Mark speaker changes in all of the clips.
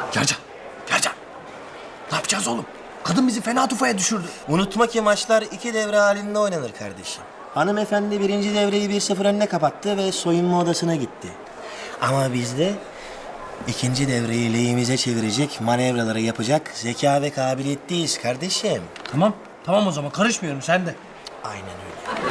Speaker 1: Yarcan, Yarcan. Ne yapacağız oğlum? Kadın bizi fena tufaya düşürdü.
Speaker 2: Unutma ki maçlar 2 devre halinde oynanır kardeşim. Hanımefendi 1. devreyi 1-0 önüne kapattı ve soyunma odasına gitti. Ama biz de 2. devreyi lehimize çevirecek manevraları yapacak zeka ve kabiliyetliyiz kardeşim.
Speaker 1: Tamam, tamam o zaman karışmıyorum sen de.
Speaker 2: Aynen öyle.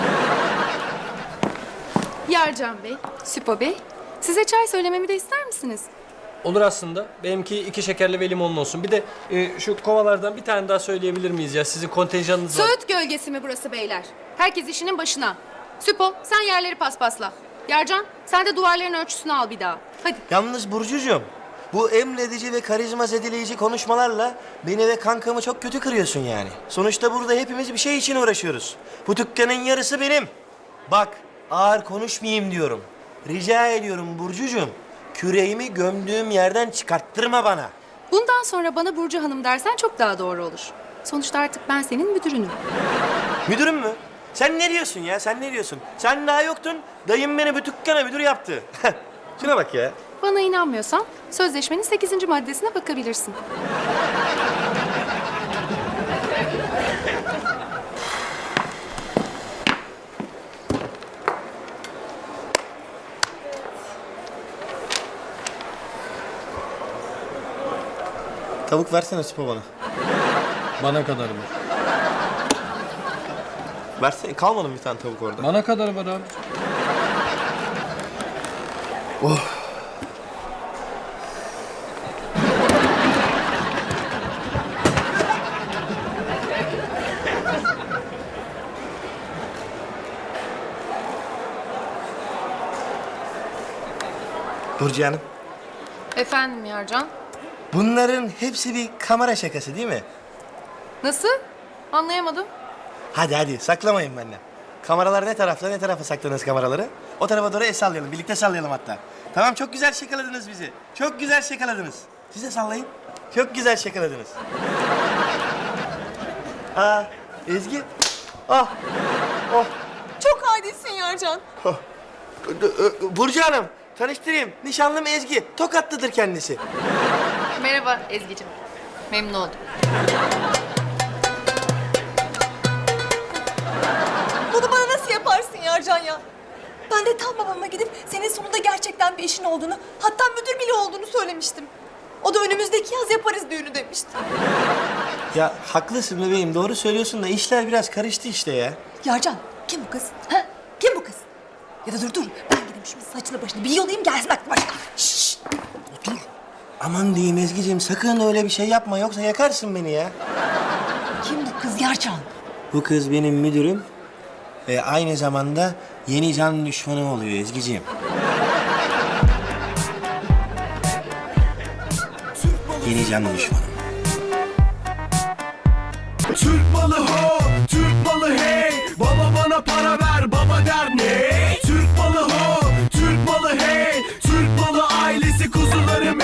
Speaker 3: Yarcan Bey, Süpo Bey, size çay söylememi de ister misiniz?
Speaker 4: Olur aslında. Benimki 2 şekerli ve limonlu olsun. Bir de şu kovalardan bir tane daha söyleyebilir miyiz ya? Sizin kontenjanınız var.
Speaker 3: Söğüt gölgesi mi burası beyler? Herkes işinin başına. Süpo, sen yerleri paspasla. Yarcan, sen de duvarların ölçüsünü al bir daha. Hadi.
Speaker 2: Yalnız Burcucuğum, bu emredici ve karizma zedeleyici konuşmalarla beni ve kankamı çok kötü kırıyorsun yani. Sonuçta burada hepimiz bir şey için uğraşıyoruz. Bu dükkanın yarısı benim. Bak, ağır konuşmayayım diyorum. Rica ediyorum Burcucuğum, küreğimi gömdüğüm yerden çıkarttırma bana.
Speaker 3: Bundan sonra bana Burcu Hanım dersen çok daha doğru olur. Sonuçta artık ben senin müdürünüm.
Speaker 2: Müdürüm mü? Sen ne diyorsun ya, sen ne diyorsun? Sen daha yoktun, dayım beni bu dükkana müdür yaptı. Şuna bak ya.
Speaker 3: Bana inanmıyorsan sözleşmenin 8. maddesine bakabilirsin.
Speaker 2: Tavuk versene Süpo bana.
Speaker 4: Bana kadar var.
Speaker 2: Versene, kalmadı mı bir tane tavuk orada?
Speaker 4: Bana kadar var abi.
Speaker 2: Burcu Hanım,
Speaker 3: Efendim Yarcan?
Speaker 2: bunların hepsi bir kamera şakası değil mi?
Speaker 3: Nasıl? Anlayamadım.
Speaker 2: Hadi hadi, saklamayın benden. Kameralar ne tarafta, ne tarafa sakladınız kameraları? O tarafa doğru el sallayalım, birlikte sallayalım hatta. Tamam, çok güzel şakaladınız bizi. Çok güzel şakaladınız. Siz de sallayın. Çok güzel şakaladınız. Aa, Ezgi. Ah, oh,
Speaker 5: Çok adisin Yarcan.
Speaker 2: oh. Burcu Hanım, tanıştırayım. Nişanlım Ezgi. Tokatlıdır kendisi.
Speaker 3: Merhaba Ezgi'cim. Memnun oldum.
Speaker 5: Bunu bana nasıl yaparsın Yarcan ya? Ben de tam babama gidip senin sonunda gerçekten bir işin olduğunu, hatta müdür bile olduğunu söylemiştim. O da önümüzdeki yaz yaparız düğünü demişti.
Speaker 2: Ya haklısın bebeğim, doğru söylüyorsun da işler biraz karıştı işte ya.
Speaker 5: Yarcan, kim bu kız? Ha? Kim bu kız? Ya da dur, ben gideyim şu saçını başını bir yolayım gelsin aklı başına. Şşş!
Speaker 2: Dur. Aman diyeyim Ezgi'ciğim, sakın öyle bir şey yapma yoksa yakarsın beni ya.
Speaker 5: Kim bu kız Yarcan?
Speaker 2: Bu kız benim müdürüm ve aynı zamanda yeni can düşmanım oluyor Ezgi'ciğim. Yeni can düşmanım.
Speaker 6: Türk malı ho, Türk malı hey. Baba bana para ver.